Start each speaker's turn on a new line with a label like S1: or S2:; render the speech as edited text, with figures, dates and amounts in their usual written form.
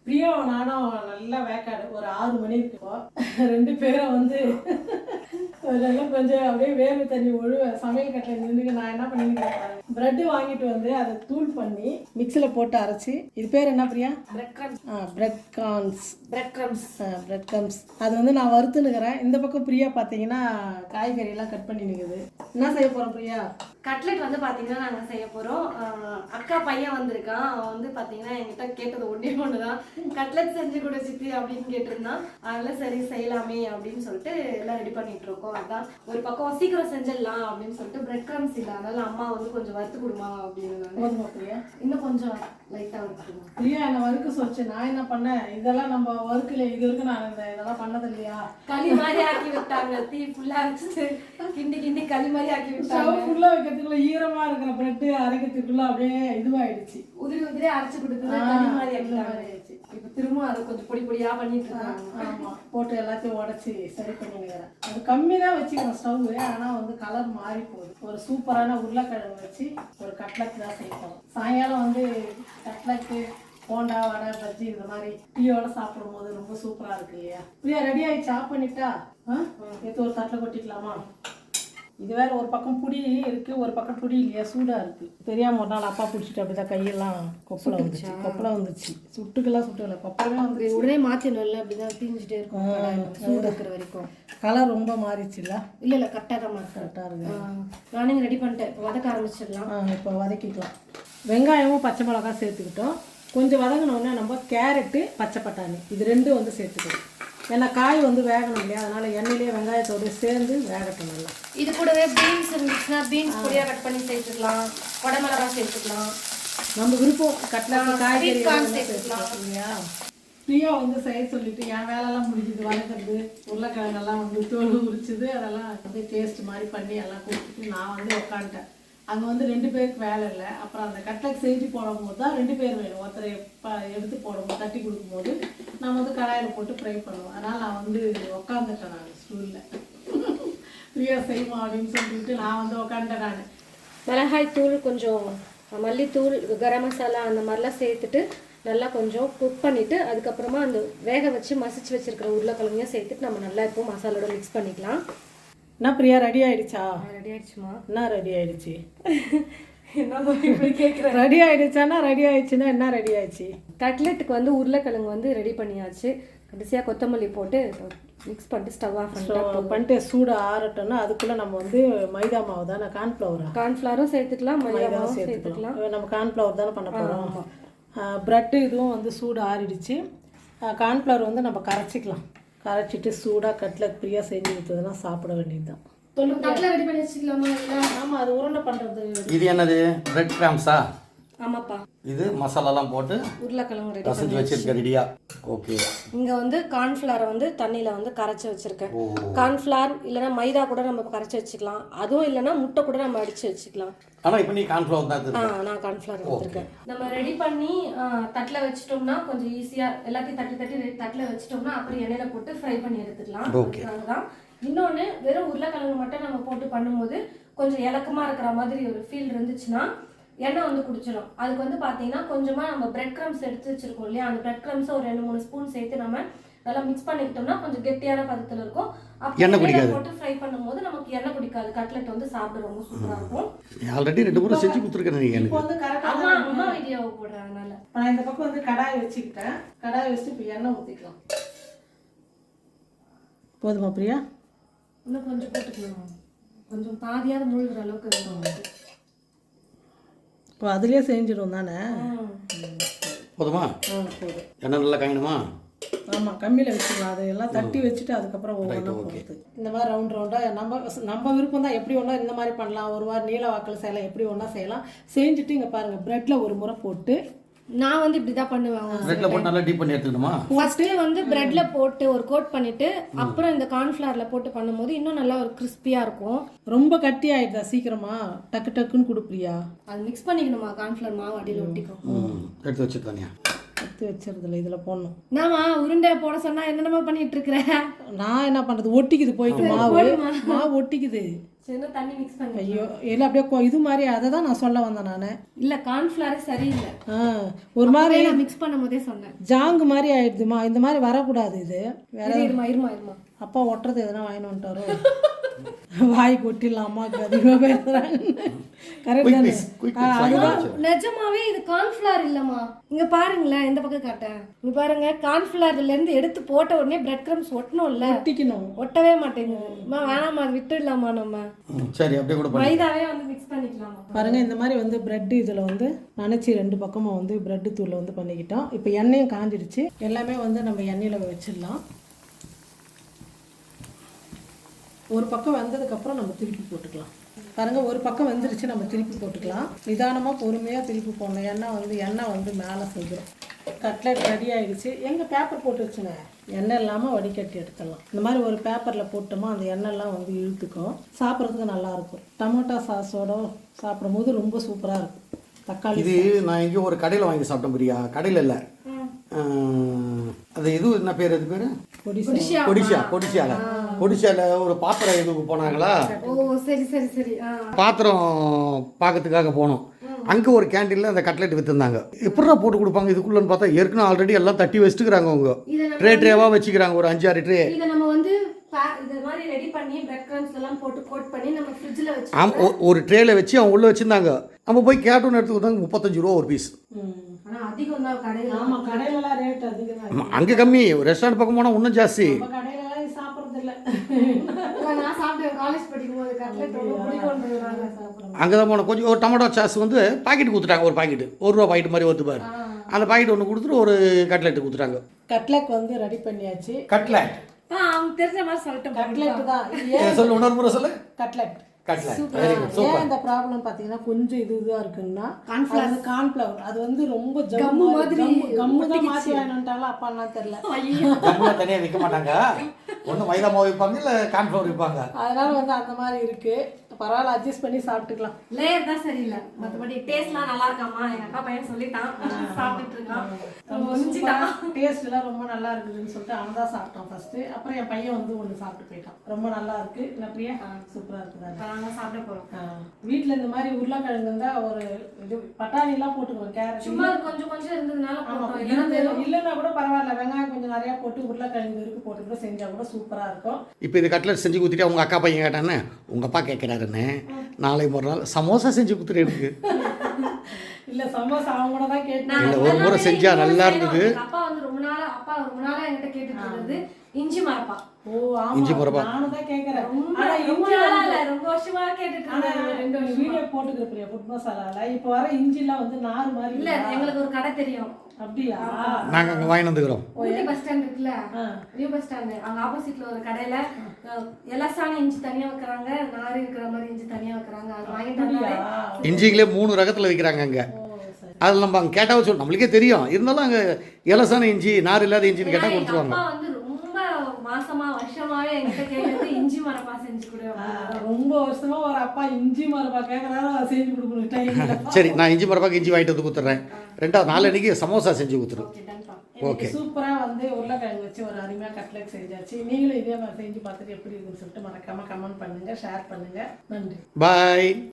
S1: பிரியாவும் நானும் நல்லா வேக்காடு ஒரு 6 மணி இருக்கும். 2 பேரும் வந்து அதெல்லாம் கொஞ்சம் அப்படியே வேர்வை தண்ணி ஒழுவ சமையல் கட்டில் நின்று நான் என்ன பண்ணிருக்கேன், பிரெட் வாங்கிட்டு வந்து அதை தூள் பண்ணி மிக்சியில் போட்டு அரைச்சி, இது பேர் என்ன பிரியா? Bread crumbs. அது வந்து நான் வறுத்துனுக்கிறேன். இந்த பக்கம் பிரியா பார்த்தீங்கன்னா காய்கறியெல்லாம் கட் பண்ணி நிற்குது. என்ன செய்ய போகிறோம் பிரியா?
S2: கட்லெட் வந்து பார்த்தீங்கன்னா நாங்கள் செய்ய போகிறோம். அக்கா பையன் வந்திருக்கான். அவன் வந்து பார்த்தீங்கன்னா என்கிட்ட கேட்டது ஒன்று தான், கட்லெட் செஞ்சு கொடு சித்தி அப்படின்னு கேட்டிருந்தான். அதெல்லாம் சரி செய்யலாமே அப்படின்னு சொல்லிட்டு எல்லாம் ரெடி பண்ணிட்டு இருக்கோம். அதான் ஒரு பக்கம் சீக்கிரம் செஞ்சிடலாம் அப்படின்னு சொல்லிட்டு பிரெட் கிரம்ஸ் இல்லை, அதனால அம்மா வந்து கொஞ்சம் வறுத்து கொடுமா அப்படின்னு. இன்னும் கொஞ்சம் லைட்டாக வறுத்துக்கணும்.
S1: பிரியா என்னை வறுக்க சொல்லிச்சு. நான் என்ன பண்ணேன், இதெல்லாம் நம்ம வறுக்கல, இது வரைக்கும் நான் இதெல்லாம் பண்ணது இல்லையா,
S2: களி மாதிரி ஆக்கி விட்டாங்க. தீ ஃபுல்லாக வச்சுட்டு கிண்டி களி மாதிரி ஆக்கி விட்டாங்க.
S1: ஃபுல்லாக வைக்கிறதுக்குள்ள ஈரமா இருக்கிற பிரெட்டு அரைக்கிறதுக்குள்ள அப்படியே இதுவாயிடுச்சு.
S2: உதிரி அரைச்சு கொடுத்தது களி மாதிரி ஆகிடுச்சு. இப்போ திரும்ப அதை கொஞ்சம் பொடியா பண்ணிட்டு இருக்காங்க.
S1: ஆமா, போட்டு எல்லாத்தையும் உடச்சி சரி பண்ணிக்கிறேன். அது கம்மி தான் வச்சுக்கிறேன் ஸ்டவ். ஆனால் வந்து கலர் மாறி போகுது. ஒரு சூப்பரான உருளைக்கிழங்கு வச்சு ஒரு கட்லட் தான் செய்யணும். சாயங்காலம் வந்து கட்லட்டு, போண்டா, வடை, பஜ்ஜி இந்த மாதிரி டீயோட சாப்பிடும் போது ரொம்ப சூப்பரா இருக்கு இல்லையா? பிரியா ரெடி ஆயிடுச்சு, ஆஃப் பண்ணிட்டா எடுத்து ஒரு தட்டில் கொட்டிக்கலாமா? இது வேற ஒரு பக்கம் புடி இருக்கு, ஒரு பக்கம் புடி இல்லையா, சூடா இருக்கு. தெரியாம ஒரு நாள் அப்பா பிடிச்சிட்டு அப்படிதான் கையெல்லாம் கொப்பளம் வந்துச்சு. சுட்டுக்கெல்லாம் சுட்டுல கொப்பளமே வந்து
S2: உடனே மாற்றிடணும்ல, அப்படிதான் தீஞ்சிட்டே இருக்கும் சூடு இருக்கிற வரைக்கும்.
S1: கலர் ரொம்ப மாறிச்சுல்ல?
S2: இல்லை கரெக்டாக தான் கரெக்டாக இருக்கு. நானும் ரெடி பண்ணிட்டேன். இப்போ வதக்க ஆரம்பிச்சிடலாம்.
S1: இப்போ வதக்கிக்கலாம். வெங்காயமும் பச்சை மிளகாய் சேர்த்துக்கிட்டோம். கொஞ்சம் வதங்கினோடனே நம்ம கேரட்டு, பச்சை பட்டாணி இது ரெண்டும் வந்து சேர்த்துக்கணும். ஏன்னா காய் வந்து வேகணும் இல்லையா, அதனால எண்ணெயிலேயே வெங்காயத்தோடு சேர்ந்து வேகட்டும் நல்லா.
S2: இது கூடவே பீன்ஸ் இருந்துச்சுன்னா பீன்ஸ் பொடியாக கட் பண்ணி சேர்த்துக்கலாம், குடமிளகாய் சேர்த்துக்கலாம்,
S1: நம்ம விருப்பம். கட்லட் காய்கறி
S2: சேர்த்துக்கலாம்
S1: இல்லையா? பிரியா வந்து செய்ய சொல்லிட்டு என் வேலையெல்லாம் முடிஞ்சுது. வதக்கிறது, உருளைக்கிழங்கெல்லாம் வந்து தோல் உரிச்சுது, அதெல்லாம் வந்து டேஸ்ட் மாதிரி பண்ணி எல்லாம் கொடுத்துட்டு நான் வந்து உட்காந்துட்டேன். அங்கே வந்து 2 பேருக்கு வேலை இல்லை. அப்புறம் அந்த கட்லட் செஞ்சு போடும்போது தான் 2 பேர் வேணும். ஒருத்தரை எடுத்து போடும்போது தட்டி கொடுக்கும்போது நான் வந்து கடாயில் போட்டு ஃப்ரை பண்ணுவோம். அதனால் நான் வந்து உட்காந்துட்டேன். நான் ஸ்டூலில் பிரியா செய்வோம் அப்படின்னு சொல்லிட்டு நான் வந்து உட்காந்துட்டேன். நான்
S2: மிளகாய் தூள், கொஞ்சம் மல்லித்தூள், கரம் மசாலா அந்த மாதிரிலாம் சேர்த்துட்டு நல்லா கொஞ்சம் குக் பண்ணிவிட்டு அதுக்கப்புறமா அந்த வேக வச்சு மசிச்சு வச்சுருக்கிற உருளைக்கிழங்கையும் சேர்த்துட்டு நம்ம நல்லா இப்போ மசாலோட மிக்ஸ் பண்ணிக்கலாம்.
S1: என்ன பிரியா ரெடி ஆயிடுச்சா?
S2: ரெடி ஆயிடுச்சுமா?
S1: என்ன ரெடி ஆயிடுச்சு?
S2: என்ன இப்படி கேட்குறேன்?
S1: ரெடி ஆயிடுச்சானா ரெடி ஆயிடுச்சுன்னா என்ன ரெடி ஆயிடுச்சு?
S2: கட்லெட்டுக்கு வந்து உருளைக்கிழங்கு வந்து ரெடி பண்ணியாச்சு. கடைசியாக கொத்தமல்லி போட்டு மிக்ஸ் பண்ணிட்டு ஸ்டவ் ஆஃப்
S1: பண்ணிட்டு சூடு ஆறட்டோம்னா அதுக்குள்ளே நம்ம வந்து மைதா மாவு தானே,
S2: கார்ன்ஃப்ளவரும் சேர்த்துக்கலாம், மைதாவும் சேர்த்துக்கலாம்.
S1: நம்ம கார்ன்ஃப்ளவர் தானே பண்ண போகிறோம். ப்ரெட்டு இதுவும் வந்து சூடு ஆறிடுச்சு. கார்ன்ஃப்ளவர் வந்து நம்ம கரைச்சிக்கலாம். கரைச்சிட்டு சூடாக கட்லட் பிரியா செஞ்சு கொடுத்ததுன்னா சாப்பிட வேண்டியது தான்.
S2: ரெடி பண்ணி வச்சுக்கலாமா?
S1: ஆமாம், அது உருண்டை பண்ணுறது.
S3: இது என்னது? பிரெட் கிராம்ஸா?
S2: ஆமாப்பா.
S3: இது மசாலாலாம் போட்டு
S2: உருளைக்கிழங்கு ரெடி
S3: செஞ்சு வச்சிருக்க ரெடியா? ஓகே.
S2: இங்கே வந்து கார்ன்ஃப்ளவரை வந்து தண்ணியில் வந்து கரைச்சி வச்சுருக்கேன். கார்ன்ஃப்ளவர் இல்லைன்னா மைதா கூட நம்ம கரைச்சி வச்சுக்கலாம். அதுவும் இல்லைன்னா முட்டை கூட நம்ம அடித்து வச்சுக்கலாம்.
S3: ஆனால் இப்போ நீ கார்ன்ஃப்ளவர் தான்
S2: நான் கார்ன்ஃப்ளவர் எடுத்துருக்கேன். நம்ம ரெடி பண்ணி தட்டில் வச்சிட்டோம்னா கொஞ்சம் ஈஸியாக எல்லாத்தையும் தட்டி தட்டில் வச்சிட்டோம்னா அப்புறம் எண்ணெயில் போட்டு ஃப்ரை பண்ணி எடுத்துக்கலாம். அதுதான். இன்னொன்று, வெறும் உருளைக்கிழங்கு மட்டும் நம்ம போட்டு பண்ணும்போது கொஞ்சம் இலக்கமாக இருக்கிற மாதிரி ஒரு ஃபீல் இருந்துச்சுன்னா எண்ணெய் வந்து குடிச்சிடும். அதுக்கு வந்து பார்த்தீங்கன்னா கொஞ்சமாக நம்ம பிரெட் கிரம்ஸ் எடுத்து வச்சிருக்கோம் இல்லையா, அந்த பிரெட் கிரம்ஸை ஒரு 2-3 ஸ்பூன் சேர்த்து நம்ம நல்லா மிக்ஸ் பண்ணிக்கிட்டோம்னா கொஞ்சம் கெட்டியான பதத்தில் இருக்கும். எண்ணெய் போட்டு ஃப்ரை பண்ணும்போது நமக்கு எண்ணெய் குடிக்காது. கட்லெட் வந்து சாப்பிட ரொம்ப சூப்பராக இருக்கும்.
S3: ஆல்ரெடி 2 முறை செஞ்சு கொடுத்துருக்கேன்.
S1: இப்போ வந்து கரெக்டாக
S2: அம்மா வீடியோவை போடுறேன். அதனால
S1: நான் இந்த பக்கம் வந்து கடாய் வச்சுக்கிட்டேன். கடாய் வச்சுட்டு இப்போ எண்ணெய் ஊற்றிக்கலாம். போதுமா பிரியா?
S2: இன்னும் கொஞ்சம் போட்டுக்கலாம். கொஞ்சம் பாதியாவது முழுகிற அளவுக்கு இருக்கும்.
S1: இப்போ அதுலேயே செஞ்சிடும் தானே?
S3: போதுமா?
S1: போதும்.
S3: எண்ணெய் நல்லா காயணுமா?
S1: ஆமாம், கம்மியில் வச்சுக்கலாம். அதையெல்லாம் தட்டி வச்சுட்டு அதுக்கப்புறம் ஒவ்வொன்றா போடுறது. இந்த மாதிரி ரவுண்டாக நம்ம விருப்பம் தான். எப்படி ஒன்றா இந்த மாதிரி பண்ணலாம், ஒரு வாரம் நீல வாக்கில் செய்யலாம், எப்படி ஒன்றா செய்யலாம். செஞ்சுட்டு இங்கே பாருங்கள், ப்ரெட்டில் ஒரு முறை போட்டு
S2: நான் வந்து இப்படி தான் பண்ணுவேன்.
S3: பிரெட்ல போட்டு நல்லா டீப் பண்ணி எடுத்துக்கணுமா?
S2: ஃபர்ஸ்ட் வந்து பிரெட்ல போட்டு ஒரு கோட் பண்ணிட்டு அப்புறம் இந்த கார்ன்ஃப்ளவர்ல போட்டு பண்ணும்போது இன்னும் நல்லா ஒரு கிறிஸ்பியா இருக்கும்.
S1: ரொம்ப கட்டி ஆயிடுதா சீக்கிரமா? டக்கு டக்குன்னு கொடுப்பியா? அது
S2: மிக்ஸ் பண்ணிக்கணுமா? கார்ன்ஃப்ளவர் மாவு அடியில் ஒட்டிக்கும்.
S3: எடுத்து வச்சுக்கோங்க.
S1: எடுத்து வச்சிருதுல இதில் போடணும்.
S2: நாமா உருண்டை போட சொன்னா என்னென்னமா பண்ணிட்டு இருக்கிற?
S1: நான் என்ன பண்ணுறது, ஒட்டிக்குது போயிட்டு மாவு ஒட்டிக்குது.
S2: சின்ன தண்ணி மிக்ஸ் பண்ணி
S1: ஐயோ இல்லை அப்படியே இது மாதிரி அதை தான் நான் சொல்ல வந்தேன் நான்.
S2: இல்ல கார்ன்ஃபிளவர் சரியில்லை.
S1: ஒரு மாதிரி
S2: நான் மிக்ஸ் பண்ணும் போதே சொன்னேன்
S1: ஜாங்கு மாதிரி ஆயிடுதுமா. இந்த மாதிரி வரக்கூடாது. இது வேற
S2: இருமா இருமா இருமா
S1: அப்பா ஒட்டுறது எதனா வாங்கிட்டு வந்துட்டாரோ வாய் கொட்டிடலாம் அம்மாவுக்கு அதிகமாக பேசுகிறாங்க. கரெக்ட் தானே? அதுதான்
S2: நிஜமாவே இது கார்ன்ஃபிளவர் இல்லம்மா. இங்க பாருங்களேன், இந்த பக்கம் காட்டேன். இங்க பாருங்க, கார்ன்ஃபிளவர்ல இருந்து எடுத்து போட்ட உடனே பிரெட் கிரம்ஸ் ஒட்டணும்ல,
S1: ஒட்டிக்கணும்.
S2: ஒட்டவே மாட்டேங்குது. வேணாமா, அது விட்டுடலாமா நம்ம?
S3: சரி அப்படியே கூட
S2: மைதாவே வந்து மிக்ஸ் பண்ணிக்கலாமா?
S1: பாருங்க இந்த மாதிரி வந்து பிரெட் இதில் வந்து நினச்சி 2 பக்கமும் வந்து பிரெட்டு தூளில் வந்து பண்ணிக்கிட்டோம். இப்போ எண்ணெயும் காஞ்சிடுச்சு. எல்லாமே வந்து நம்ம எண்ணெயில் வச்சிடலாம். ஒரு பக்கம் வெந்ததுக்கப்புறம் நம்ம திருப்பி போட்டுக்கலாம். பாருங்கள் ஒரு பக்கம் வெந்துருச்சு, நம்ம திருப்பி போட்டுக்கலாம். நிதானமாக பொறுமையாக திருப்பி போடணும். எண்ணெய் வந்து மேலே செஞ்சிடும். கட்லெட் ரெடி ஆகிடுச்சு. எங்கள் பேப்பர் போட்டு வச்சுங்க, எண்ணெய் இல்லாமல் வடிகட்டி எடுத்துடலாம். இந்த மாதிரி ஒரு பேப்பரில் போட்டோமா அந்த எண்ணெய்லாம் வந்து இழுத்துக்கும். சாப்பிட்றதுக்கு நல்லாயிருக்கும். டொமேட்டோ சாஸோட சாப்பிடும்போது ரொம்ப சூப்பராக இருக்கும். தக்காளி
S3: இது நான் எங்கேயும் ஒரு கடையில் வாங்கி சாப்பிட்டேன் பிரியா. கடையில் இல்லை, அது இது என்ன பேர்? அது பேர் கொடிசியாவில் ஒரு பாத்திரம் இதுக்கு போனாங்களா.
S2: ஓ சரி சரி சரி.
S3: பாத்திரம் பார்க்கறதுக்காக போனோம். அங்கே ஒரு கேண்டீனில் அந்த கட்லெட் விற்றுருந்தாங்க. எப்படா போட்டு கொடுப்பாங்க இதுக்குள்ளன்னு பார்த்தா ஏற்கனவே ஆல்ரெடி எல்லாம் தட்டி வச்சுட்டுக்கிறாங்க. அவங்க ட்ரேவாக வச்சுக்கிறாங்க, ஒரு 5-6 ட்ரே.
S2: இதை நம்ம வந்து இது மாதிரி ரெடி பண்ணி பிரெட் கிரம்ஸ் எல்லாம் போட்டு கோட் பண்ணி நம்ம ஃப்ரிட்ஜில் வச்சு
S3: ஒரு ட்ரேல வச்சு அவங்க உள்ளே வச்சுருந்தாங்க. நம்ம போய் கேட்டோன்னு எடுத்து கொடுத்தாங்க 35 ரூபா ஒரு பீஸ்.
S2: ஆனால் அதிகம் தான் கடையில்.
S1: ஆமாம் கடையிலலாம் ரேட் அதிகம் தான்.
S3: அங்கே கம்மி, ரெஸ்டாரண்ட் பக்கம் போனால் இன்னும் ஜாஸ்தி.
S1: கடையிலலாம் சாப்பிட்றது இல்லை.
S2: நான் சாப்பிட்டேன் காலேஜ் படிக்கும் போது. கட்லெட் ரொம்ப பிடிக்கும்ன்றதுனால சாப்பிடுவேன்.
S3: அங்கே தான் போனோம். கொஞ்சம் ஒரு டொமேட்டோ சாஸ் வந்து பாக்கெட் கொடுத்துட்டாங்க. ஒரு பாக்கெட் 1 ரூபா பாக்கெட் மாதிரி வருது பாரு. அந்த பாக்கெட் ஒன்று கொடுத்துட்டு ஒரு கட்லெட் கொடுத்துட்டாங்க.
S1: கட்லெட் வந்து ரெடி பண்ணியாச்சு.
S3: கட்லெட்
S2: அவங்க தெரிஞ்ச மாதிரி சொல்லிட்டேன்.
S1: கட்லெட் தான்.
S3: சொல்லு, இன்னொரு முறை சொல்லு.
S1: கட்லெட்.
S3: சூப்பர்.
S1: இந்த ப்ராப்ளம் பார்த்தீங்கன்னா கொஞ்சம் இதுதான் இருக்குன்னா கார்ன்ஃபிளவர் அது வந்து ரொம்ப ஜம்மு மாதிரி கம்மு தான் மாற்றி வாங்கிட்டாலும் அப்பாலாம் தெரியல.
S3: கம்முல தனியாக விற்க மாட்டாங்க. ஒன்று மைதா மாவு விற்பாங்க, இல்லை கார்ன்ஃப்ளவர் விற்பாங்க.
S1: அதனால வந்து அந்த மாதிரி இருக்கு. பரவாயில்ல, அட்ஜஸ்ட் பண்ணி சாப்பிட்டுக்கலாம்.
S2: லேயர் தான் சரியில்லை, மற்றபடி டேஸ்ட்லாம் நல்லா இருக்காமா? எங்க அக்கா பையன் சொல்லிட்டான், சாப்பிட்டு இருக்கான்.
S1: டேஸ்ட் எல்லாம் ரொம்ப நல்லா இருக்குதுன்னு சொல்லிட்டு அவன் தான் சாப்பிட்டான் ஃபர்ஸ்ட். அப்புறம் என் பையன் வந்து ஒன்று சாப்பிட்டு போயிட்டான். ரொம்ப நல்லா இருக்கு. என்ன பிரியா? சூப்பரா இருக்குதா?
S2: சாப்பிட போறோம்.
S1: வீட்டுல இந்த மாதிரி உருளைக்கிழங்கு இருந்தா ஒரு இது பட்டாணி எல்லாம் போட்டுக்குவோம். கேரட்
S2: சும்மா கொஞ்சம் கொஞ்சம் இருந்ததுனால
S1: இல்லைன்னா கூட பரவாயில்ல, வெங்காயம் கொஞ்சம் நிறைய போட்டு உருளைக்கிழங்கு இருக்கு போட்டு கூட செஞ்சா கூட சூப்பரா இருக்கும்.
S3: இப்போ இது கட்லெட் செஞ்சு கொடுத்துட்டு உங்க அக்கா பையன் கேட்டானே, உங்க அப்பா கேட்கிறாருன்னு நாளை மறுநாள் சமோசா செஞ்சு கொடுத்துரு எனக்கு.
S1: இல்ல சமோசா அவங்க கூட தான் கேட்டேன்.
S3: இல்ல ஒரு முறை செஞ்சா நல்லா இருந்தது.
S2: அப்பா வந்து ரொம்ப நாளா என்கிட்ட கேட்டுட்டு இருந்தது இஞ்சி மரப்பா.
S1: ஓ ஆமா,
S3: இஞ்சி மரப்பா
S1: நானும் தான் கேக்குறேன்.
S2: ஆனா ரொம்ப நாளா இல்ல, ரொம்ப வருஷமா கேட்டுட்டு இருந்தேன்.
S1: வீடியோ போட்டுக்கிற பிரியா ஃபுட் மசாலால இப்போ வர இஞ்சி எல்லாம் வந்து நார் மாதிரி
S2: இல்ல. எங்களுக்கு ஒரு கடை தெரியும்.
S1: அப்படியா?
S3: நாங்க அங்க வாங்கி வந்துக்கிறோம்.
S2: ஊட்டி பஸ் ஸ்டாண்ட் இருக்குல்ல, நியூ பஸ் ஸ்டாண்ட், அங்க ஆப்போசிட்ல ஒரு கடையில எலசான இஞ்சி தனியா வைக்கிறாங்க, நார் இருக்கிற மாதிரி இஞ்சி தனியா வைக்கிறாங்க. அது வாங்கிட்டு வந்தாலே
S3: இஞ்சிங்களே 3 ரகத்துல விற்கிறாங்க அங்க. அதில் நம்ம அங்கே கேட்டால் சொல்லு, நம்மளுக்கே தெரியும். இருந்தாலும் அங்கே இலசான இஞ்சி நார் இல்லாத இஞ்சின்னு கேட்டால் கொடுத்துருவாங்க.
S2: அப்பா வந்து ரொம்ப மாசமா வருஷமாவே என்கிட்ட கேட்கறது இஞ்சி மரப்பா செஞ்சு கொடு.
S1: ரொம்ப வருஷமா ஒரு அப்பா இஞ்சி மரப்பா கேட்கறாரு, செஞ்சு கொடுக்கணும் டைம்.
S3: சரி, நான் இஞ்சி மரப்பாக்கு இஞ்சி வாங்கிட்டு வந்து கொடுத்துட்றேன். 2வது நாளைக்கு சமோசா செஞ்சு கொடுத்துரு. ஓகே.
S1: சூப்பரா வந்து உருளைக்கிழங்கு வச்சு ஒரு அருமையா கட்லெட் செஞ்சாச்சு. நீங்களும் இதே மாதிரி செஞ்சு பார்த்துட்டு எப்படி இருக்குன்னு சொல்லிட்டு மறக்காம கமெண்ட் பண்ணுங்க, ஷேர் பண்ணுங்க. நன்றி.
S3: பாய்.